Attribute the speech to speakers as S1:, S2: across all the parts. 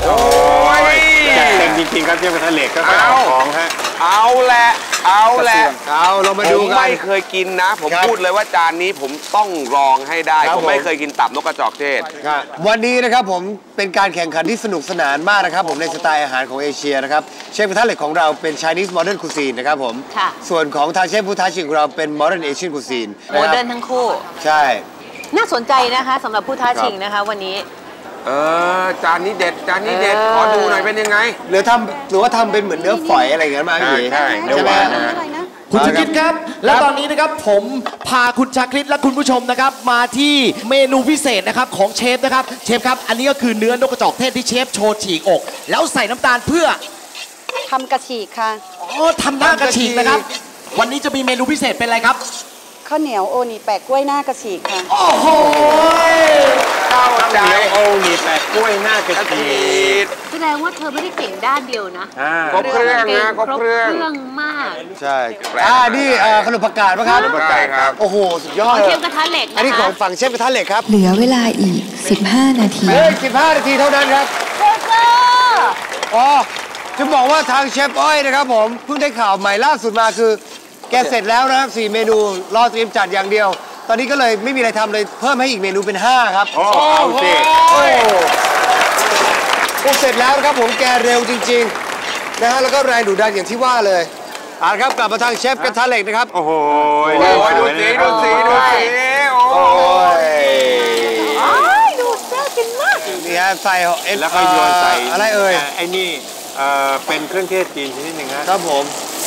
S1: โอ้ยเต็มจริงๆครับเชฟกระทะเหล็กก็เอาของฮะ
S2: เอาแหละ
S3: เรามาดูกัน
S2: ไม่เคยกินนะผมพูดเลยว่าจานนี้ผมต้องลองให้ได้ผมไม่เคยกินตับนกกระจอกเทศ
S3: วันนี้นะครับผมเป็นการแข่งขันที่สนุกสนานมากนะครับผมในสไตล์อาหารของเอเชียนะครับเชฟกระทะเหล็กของเราเป็น Chinese Modern Cuisine นะครับผมส่วนของทางเชฟผู้ท้าชิงของเราเป็น Modern Asian Cuisine
S4: โมเดิร์นทั้งคู่
S3: ใช่
S4: น่าสนใจนะคะสำหรับผู้ท้าชิงนะคะวันนี้
S2: จานนี้เด็ดขอดูหน่อยเป็นยังไง
S3: หรือว่าทำเป็นเหมือนเนื้อฝอยอะไรอย่างเงี้ยมาพี่
S2: ใช่
S3: ใช่ไหม
S5: คุณชาคริตครับและตอนนี้นะครับผมพาคุณชาคริตและคุณผู้ชมนะครับมาที่เมนูพิเศษนะครับของเชฟนะครับเชฟครับอันนี้ก็คือเนื้อนกกระจอกเทศที่เชฟโชว์ฉีกอกแล้วใส่น้ำตาลเพื่อ
S6: ทำกระฉีกค่ะ
S5: ทำหน้ากระฉีกนะครับวันนี้จะมีเมนูพิเศษเป็นอะไรครับ
S6: ข้าวเหนียวโอนีแปะกล้วยหน้ากระฉีกค่ะ
S5: โอ้โห
S2: ข้าวเหนียว
S1: โอนีแปะกล้วยหน้ากระฉีก
S4: แสดงว่าเธอไม่ได้เก่งด้านเดียวนะ
S2: ครบเครื่องนะครบเครื่อง
S4: มาก
S3: ใช่นี่ขนมผักกาดป่ะครับ
S2: ขนมผักกาดครับ
S3: โอ้โหสุดยอด
S4: เชฟกระทะเหล็ก
S3: อันนี้ของฝั่งเชฟกระทะเหล็กครับ
S7: เหลือเวลาอีก15 นาที
S3: 15 นาทีเท่านั้นครับจะบอกว่าทางเชฟอ้อยนะครับผมเพิ่งได้ข่าวใหม่ล่าสุดมาคือแกเสร็จแล้วนะครับ4 เมนูรอเตรียมจัดอย่างเดียวตอนนี้ก็เลยไม่มีอะไรทำเลยเพิ่มให้อีกเมนูเป็น5ครับ
S2: เอาสิ
S3: เสร็จแล้วนะครับผมแกเร็วจริงๆนะฮะแล้วก็แรงดุดันอย่างที่ว่าเลยครับกลับมาทางเชฟกระทะเหล็กนะครับ
S2: โอ้โหดูสีโอ้
S4: ยดูน่ากินมาก
S3: นี่ฮะใส่
S1: แล้วก็โยนใส่
S3: อะไรเอ่ย
S1: ไอ้นี่เป็นเครื่องเทศจีนชนิดหนึ่ง
S3: ครับผม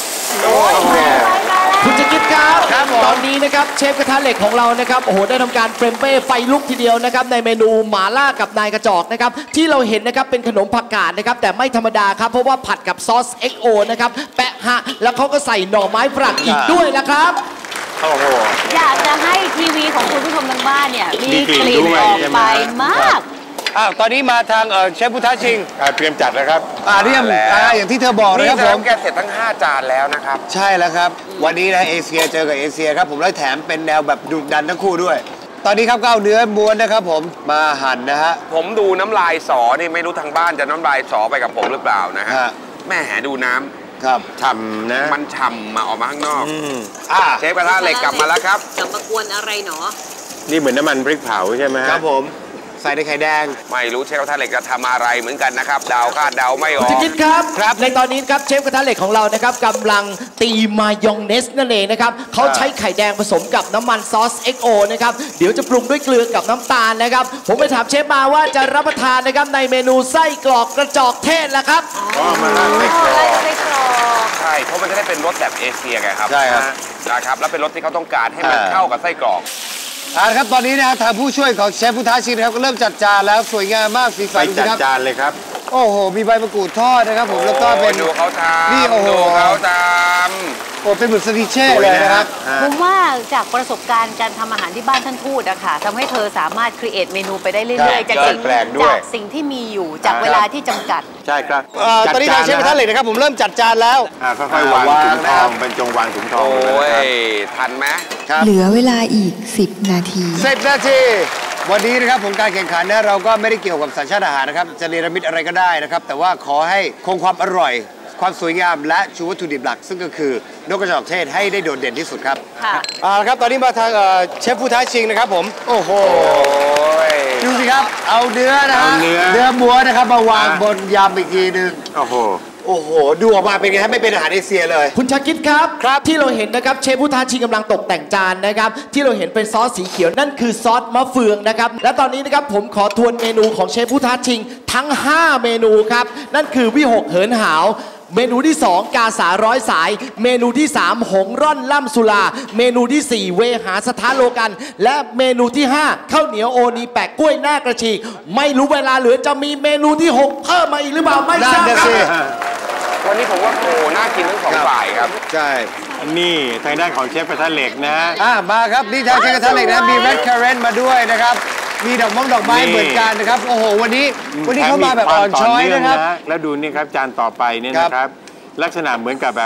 S5: คุณจะคิดครับตอนนี้นะครับเชฟกระทะเหล็กของเรานะครับโอ้โหได้ทำการเฟรมเป้ไฟลุกทีเดียวนะครับในเมนูหม่าล่ากับนายกระจอกนะครับที่เราเห็นนะครับเป็นขนมผักกาดนะครับแต่ไม่ธรรมดาครับเพราะว่าผัดกับซอส XO นะครับแปะฮะแล้วเขาก็ใส่หน่อไม้ฝรั่งอีกด้วยนะครับ
S4: โอ้โหอยากจะให้ทีวีของคุณผู้ชมทางบ้านเนี่ยมีกลิ่นออกไปมาก
S3: ตอนนี้มาทางเชฟผู้ท้าชิง
S1: เตรียมจัดแล้วครับ
S3: เรียมอย่างที่เธอบอกนะครับผม
S2: แกเสร็จทั้ง5 จานแล้วนะครับ
S3: ใช่แล้วครับวันนี้นะเอเชียเจอกับเอเชียครับผมแล้วแถมเป็นแนวแบบดุดันทั้งคู่ด้วยตอนนี้ครับก็เอาเนื้อม้วนนะครับผมมาหั่นนะฮะ
S2: ผมดูน้ำลายสอนี่ไม่รู้ทางบ้านจะน้ำลายสอไปกับผมหรือเปล่านะฮะแม่ดูน้ำ
S3: ครับ
S2: ฉ่ำนะมันฉ่ำมาออกมาข้างนอกเชฟกระทะเหล็กกลับมาแล้วครับ
S4: กลับมากวนอะไรเนาะ
S1: นี่เหมือนน้ำมันพริกเผาใช่ไหม
S3: ครับผมใส่ในไข่แดง
S2: ไม่รู้เชฟกระทะเหล็กจะทำอะไรเหมือนกันนะครับเดาคาดเดาไม่ออก
S5: จะคิดครับในตอนนี้ครับเชฟกระทะเหล็กของเรานะครับกำลังตีมายองเนสนั่นเองนะครับเขาใช้ไข่แดงผสมกับน้ำมันซอส XO นะครับเดี๋ยวจะปรุงด้วยเกลือกับน้ำตาลนะครับผมไปถามเชฟมาว่าจะรับประทานนะครับในเมนูไส้กรอกกระจอกเทศแล้วครับ
S2: มาไส้กรอกใช่เพราะมันจะได้เป็นรสแบบเอเชียไงครับ
S3: ใช่ครับ
S2: นะครับแล้วเป็นรสที่เขาต้องการให้มันเข้ากับไส้กรอก
S3: ครับตอนนี้นะทางผู้ช่วยของเชฟผู้ท้าชิงนะครับก็เริ่มจัดจานแล้วสวยงามมากสีสัน
S1: จัดจานเลยครับ
S3: โอ้โหมีใบมะกรูดทอดนะครับผมแล้วก็เป็น
S2: ดูเขาทำ
S3: นี่โอ้โห
S2: เขาท
S3: ำโอ้เป็นเหมือนสติเช่เลยนะครับ
S4: ผมว่าจากประสบการณ์การทำอาหารที่บ้านท่านทูตอะค่ะทำให้เธอสามารถครีเอทเมนูไปได้เรื่อยๆจากสิ่งที่มีอยู่จากเวลาที่จำกัด
S1: ใช่ครับ
S3: ตอนนี้ทางเชฟกระทะเหล็กนะครับผมเริ่มจัดจานแล้ว
S1: ค่อยๆวางถุงทองเป็นจงวางถุงทอง
S2: โอ้ยทันไหม
S7: เหลือเวลาอีก10 นาที
S3: 10 นาทีวันนี้นะครับผมการแข่งขันนะเราก็ไม่ได้เกี่ยวกับสัญชาติอาหารนะครับจะเนรมิตอะไรก็ได้นะครับแต่ว่าขอให้คงความอร่อยความสวยงามและชูวัตถุดิบหลักซึ่งก็คือนกกระจอกเทศให้ได้โดดเด่นที่สุดครับครับตอนนี้มาทางเชฟผู้ท้าชิงนะครับผมโอ้โหดูสิครับเอาเนื้อนะฮะเนื้อม้วนนะครับมาวางบนยำอีกทีนึงโอ้โหดูออกมาเป็นไงฮะไม่เป็นอาหารเอเชียเลย
S5: คุณชาคิดครับที่เราเห็นนะครับเชฟผู้ท้าชิงกำลังตกแต่งจานนะครับที่เราเห็นเป็นซอสสีเขียวนั่นคือซอสมะเฟืองนะครับและตอนนี้นะครับผมขอทวนเมนูของเชฟผู้ท้าชิงทั้ง5 เมนูครับนั่นคือวิหกเหินหาวเมนูที่2กาสาร้อยสายเมนูที่3หงร่อนล่ำสุลาเมนูที่4เวหาสถานโลกันและเมนูที่5ข้าวเหนียวโอนีแปะกล้วยหน้ากระฉีกไม่รู้เวลาเหลือจะมีเมนูที่6เพิ่มมาอีกหรือเปล่าไม่ทราบครับ
S2: วันนี้ผมว่าน่ากินทั้ง2 ฝ่ายครับ
S3: ใช่
S1: นี่ทางด้านของเชฟกระทะเหล็กนะ
S3: มาครับนี่ทางเชฟกระทะเหล็กนะมีแรดคาเรนมาด้วยนะครับมีดอกไม้เหมือนกันนะครับโอ้โหวันนี้เขามาแบบอ่อนช้อยนะครับ
S1: แล้วดูนี่ครับจานต่อไปเนี่ยนะครับลักษณะเหมือนกับแบบ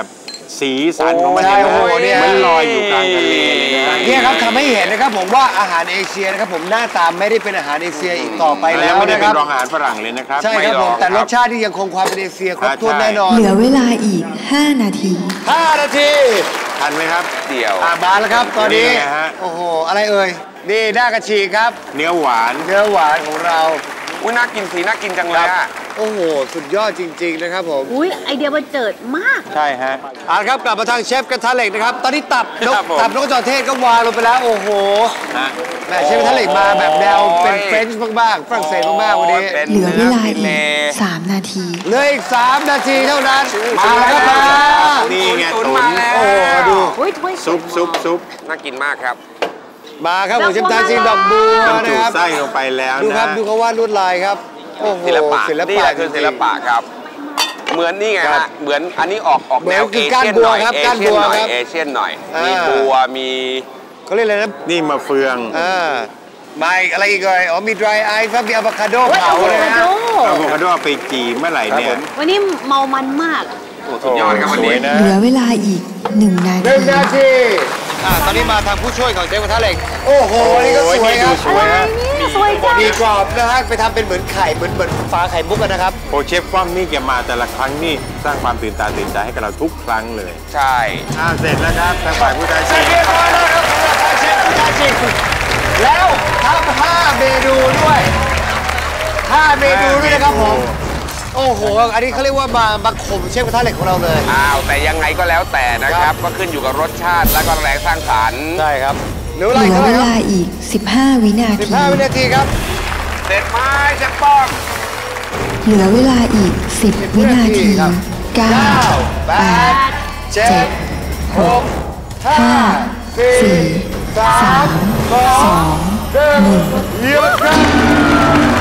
S1: สีสันของมัน
S3: ใช่โอ้โหเนี่ย
S1: มันลอยอยู่กลางทะเลเลยนะ
S3: เนี่ยครับทำให้เห็นนะครับผมว่าอาหารเอเชียนะครับผมหน้าตาไม่ได้เป็นอาหารเอเชียอีกต่อไป
S1: แล้
S3: แล้ว ว
S1: ไม่ได้
S3: นะค
S1: เป็น
S3: รับ
S1: รองอาหารฝรั่งเลยนะครับ
S3: ใช่ครับผมแต่รสชาติที่ยังคงความเป็นเอเชียครบถ้วนแน่นอน
S7: เหลือเวลาอีก 5 นาที
S3: 5 นาที
S1: ทันไหมครับ
S2: เดี่ยว
S3: มาแล้วครับตอนนี้
S1: นี่ไงฮะ
S3: โอ้โหอะไรเอ่ยนี่หน้ากระชีครับ
S1: เนื้อหวาน
S3: เนื้อหวานของเรา
S2: อุ้ยน่ากินสีน่ากินจังเลยอะ
S3: โอ้โหสุดยอดจริงๆนะครับผม
S4: อุ้ยไอเดียบันเจิดมาก
S1: ใช่ฮะ
S3: เอาละครับกลับมาทางเชฟกระทะเหล็กนะครับตอนนี้ตับนก
S2: ครับผม
S3: ตับนกกระจอกเทศก็วางลงไปแล้วโอ้โห
S1: ฮะ
S3: แม่เชฟกระทะเหล็กมาแบบแนวเป็นเฟรนช์มากๆฝรั่งเศสมากๆวันนี้
S2: เป็น
S7: เหลือเวลา
S2: นื้
S7: อี
S2: ฟิ
S7: ก 3 นาที
S3: เหลืออีก3 นาทีเท่านั้นมาแล้วครับ
S1: นี่ไง
S2: ตุ๋น
S1: ตุ๋น
S2: มาแล้ว
S3: โอ้โหดู
S4: อุ้ยถ้วย
S1: ซุป
S2: น่ากินมากครับ
S3: มาครับผมเชฟทาชิงดอกบัว
S1: บรร
S3: นะ
S1: จุ
S3: ครับ
S1: ไส้ลงไปแล้ว
S3: ดูครับ
S1: นะ
S3: ดูเขาวาดลวดลายครับโอ้โห
S2: ศิลปะ
S3: ศิล
S2: นี่
S3: ปะ
S2: แหละคือศิลปะครับ เหมือนนี่ไง
S3: ครั
S2: ฮะ
S3: บ
S2: เหมือนอันนี้ออกแนว
S3: เหมื
S2: เอ
S3: อนคือก้าน
S2: เชียน
S3: บั
S2: ห
S3: ว
S2: น่อย
S3: ครับ
S2: เอ
S3: ก้าน
S2: เชียน
S3: บัว
S2: หน่อย
S3: ครับ
S2: เอเชียนหน่อย
S3: อ่ามี
S2: มีบัวมี
S3: เขาเรียกอะไรนะ
S1: นี่มาเฟือง
S3: มาอีกอะไรอีกเลยอ๋อมี dry ice ครับมีอะโวคาโด
S4: โอ้ย
S3: เผา
S4: อะโว
S3: เลย
S4: คา
S3: นะ
S4: โด
S1: อะโวคาโดไปจีเมื่อไหร่เนี่ย
S4: วันนี้เมามันมาก
S2: โอ้สุดยอดครับวันนี้
S1: สวยนะ
S7: เหลือเวลาอีก 1 นาที
S3: 1 นาทีตอนนี้มาทางผู้ช่วยของเชฟกระทะเหล็กโอ้โหนี่ก็สวยครับ
S1: สวย
S4: อะไร
S1: ฮะ
S4: เนี่ยสวยจัง
S3: มีกรอบนะฮะไปทำเป็นเหมือนไข่เหมือนฝาไข่มุกกันนะครับ
S1: โอเชฟป้อมนี่แกมาแต่ละครั้งนี่สร้างความตื่นตาตื่นใจให้กับเราทุกครั้งเลย
S2: ใช่
S1: เสร็จแล้วครับทางฝ่ายผู้ท้า
S3: เสร็
S1: ชิ
S3: จ
S1: ง
S3: เรียบร้อยแล้วครับสำหรับการเชฟผู้ท้าชิงแล้วทำ5 เมนูด้วย5 เมนูด้วยนะครับผมโอ้โหอันนี้เขาเรียกว่ามาข่มเชฟกระทะเหล็กของเราเลย
S2: อ้าวแต่ยังไงก็แล้วแต่นะครับ ก็ขึ้นอยู่กับรสชาติและก็แรงสร้างสรรค์
S3: ใช่ครับเหลือเว
S7: เห
S3: ลา
S7: ลื
S3: อีก
S7: อ
S3: เท่าไห
S7: เว
S3: ร่ครั
S7: ลาอีก 15 วินา
S3: บ
S7: ที
S3: 15 วินาทีครับ
S2: เสร็จไหมเชฟป้อม
S7: เหลือเวลาอีก 10 วินาที
S3: ครับ
S7: 9 8
S3: 7 6 5 4 3 2 1หยุดครับ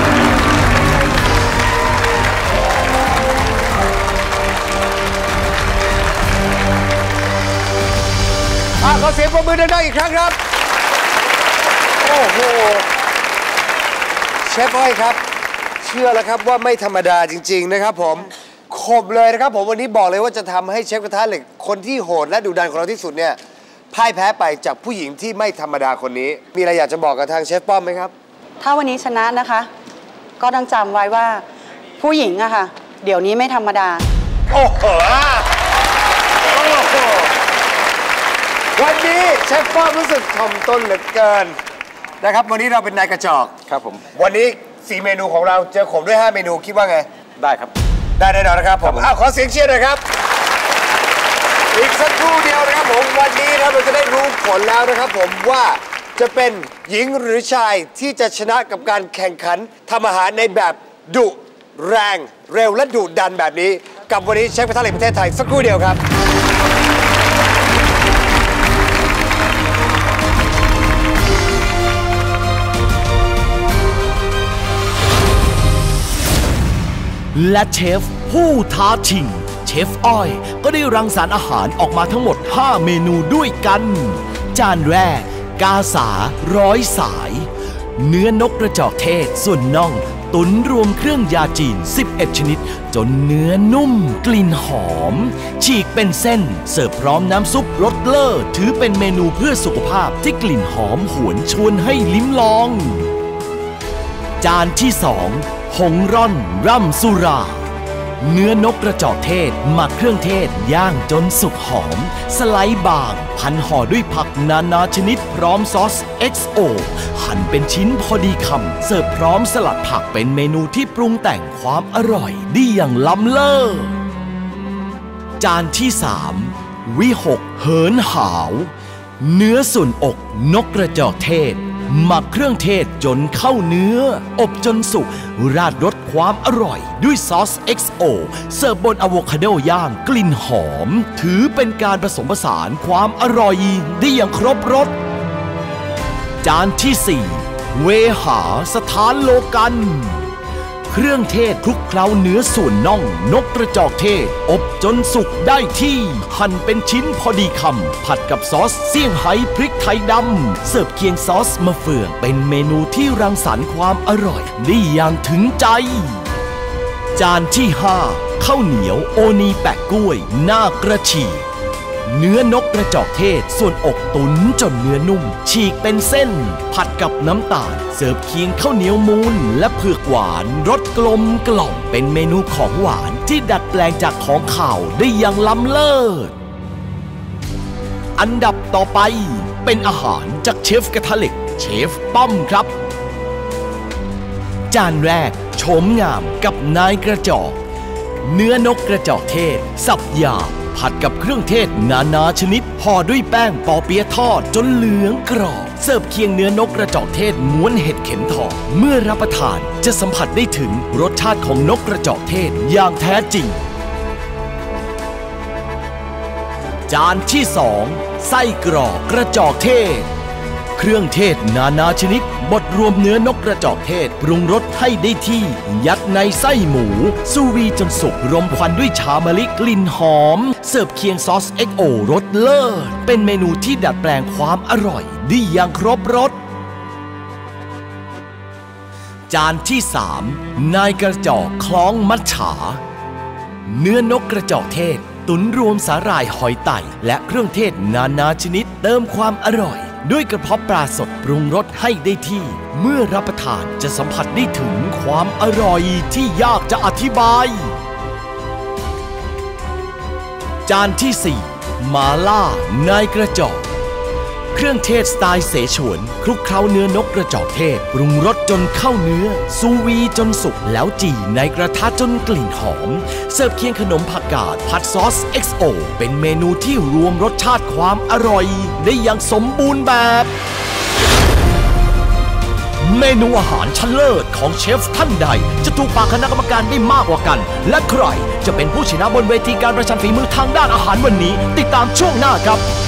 S3: ขอเสียงปรบมือดังๆอีกครั้งครับ โอ้โห เชฟอ้อยครับ เชื่อแล้วครับว่าไม่ธรรมดาจริง ๆ นะครับผมคมเลยนะครับผมวันนี้บอกเลยว่าจะทำให้เชฟกระทะเหล็กคนที่โหดและดุดันของเราที่สุดเนี่ยพ่ายแพ้ไปจากผู้หญิงที่ไม่ธรรมดาคนนี้ มีอะไรอยากจะบอกกับทางเชฟป้อมไหมครับ
S6: ถ้าวันนี้ชนะนะคะ ก็ต้องจำไว้ว่าผู้หญิงอะค่ะ เดี๋ยวนี้ไม่ธรรมดา
S3: โอ้โหวันนี้เชฟป้อมรู้สึกถ่อมตนเหลือเกินนะครับวันนี้เราเป็นนายกระจอก
S1: ครับผม
S3: วันนี้4 เมนูของเราเจอขมด้วย 5 เมนูคิดว่าไง
S1: ได้ครับ
S3: ได้แน่นอนนะครับผมขอเสียงเชียร์หน่อยครับ อีกสักครู่เดียวนะครับผมวันนี้นะครับเราจะได้รู้ผลแล้วนะครับผมว่าจะเป็นหญิงหรือชายที่จะชนะกับการแข่งขันทำอาหารในแบบดุแรงเร็วและดุดันแบบนี้ กับวันนี้เชฟกระทะเหล็กประเทศไทยสักครู่เดียวครับ
S8: และเชฟผู้ท้าชิงเชฟอ้อยก็ได้รังสรรค์อาหารออกมาทั้งหมด 5 เมนูด้วยกัน จานแรกกาสาร้อยสาย เนื้อนกกระจอกเทศส่วนน่องตุ๋นรวมเครื่องยาจีน 11 ชนิด จนเนื้อนุ่มกลิ่นหอม ฉีกเป็นเส้นเสิร์ฟพร้อมน้ำซุปรสเลิศถือเป็นเมนูเพื่อสุขภาพที่กลิ่นหอมหวนชวนให้ลิ้มลอง จานที่ 2 หงร่อนร่ำสุรา เนื้อนกกระจอกเทศหมักเครื่องเทศย่างจนสุกหอม สไลด์บางพันห่อด้วยผักนานาชนิดพร้อมซอส XO หั่นเป็นชิ้นพอดีคำเสิร์ฟพร้อมสลัดผักเป็นเมนูที่ปรุงแต่งความอร่อยได้อย่างล้ำเลิศจานที่ 3 วิหกเหินหาว เนื้อส่วนอกนกกระจอกเทศหมักเครื่องเทศจนเข้าเนื้ออบจนสุกราดรสความอร่อยด้วยซอส XO เสิร์ฟบนอะโวคาโดย่างกลิ่นหอมถือเป็นการผสมผสานความอร่อยได้อย่างครบรสจานที่ 4 เวหาสถานโลกันเครื่องเทศคลุกเคล้าเนื้อส่วนน่องนกกระจอกเทศอบจนสุกได้ที่หั่นเป็นชิ้นพอดีคำผัดกับซอสเซี่ยงไฮ้พริกไทยดำเสิร์ฟเคียงซอสมะเฟืองเป็นเมนูที่รังสรรค์ความอร่อยได้อย่างถึงใจจานที่ 5 ข้าวเหนียวโอนีแปะกล้วยหน้ากระฉีกเนื้อนกกระจอกเทศส่วนอกตุ๋นจนเนื้อนุ่มฉีกเป็นเส้นผัดกับน้ำตาลเสิร์ฟเคียงข้าวเหนียวมูนและเผือกหวานรสกลมกล่อมเป็นเมนูของหวานที่ดัดแปลงจากของข่าวได้อย่างล้ำเลิศอันดับต่อไปเป็นอาหารจากเชฟกระทะเหล็กเชฟป้อมครับจานแรกโฉมงามกับนายกระจอกเนื้อนกกระจอกเทศสับหยาบผัดกับเครื่องเทศนานาชนิดห่อด้วยแป้งปอเปี๊ยะทอดจนเหลืองกรอบเสิร์ฟเคียงเนื้อนกกระจอกเทศม้วนเห็ดเข็มทองเมื่อรับประทานจะสัมผัสได้ถึงรสชาติของนกกระจอกเทศอย่างแท้จริงจานที่2ไส้กรอกกระจอกเทศเครื่องเทศนานาชนิดบดรวมเนื้อนกกระจอกเทศปรุงรสให้ได้ที่ยัดในไส้หมูซูวีจนสุกรมควันด้วยชามะลิกลิ่นหอมเสิร์ฟเคียงซอส XO รสเลิศเป็นเมนูที่ดัดแปลงความอร่อยได้อย่างครบรสจานที่3นายกระจอกคล้องมัจฉาเนื้อนกกระจอกเทศตุ๋นรวมสาหร่ายหอยไต่และเครื่องเทศนานาชนิดเติมความอร่อยด้วยกระเพาะปลาสดปรุงรสให้ได้ที่เมื่อรับประทานจะสัมผัสได้ถึงความอร่อยที่ยากจะอธิบายจานที่4มาล่านายกระจอกเครื่องเทศสไตล์เสฉวนคลุกเคล้าเนื้อนกกระจอกเทศปรุงรสจนเข้าเนื้อซูวีจนสุกแล้วจี่ในกระทะจนกลิ่นหอมเสิร์ฟเคียงขนมผักกาดผัดซอส XO เป็นเมนูที่รวมรสชาติความอร่อยได้อย่างสมบูรณ์แบบเมนูอาหารชั้นเลิศของเชฟท่านใดจะถูกปากคณะกรรมการได้มากกว่ากันและใครจะเป็นผู้ชนะบนเวทีการประชันฝีมือทางด้านอาหารวันนี้ติดตามช่วงหน้าครับ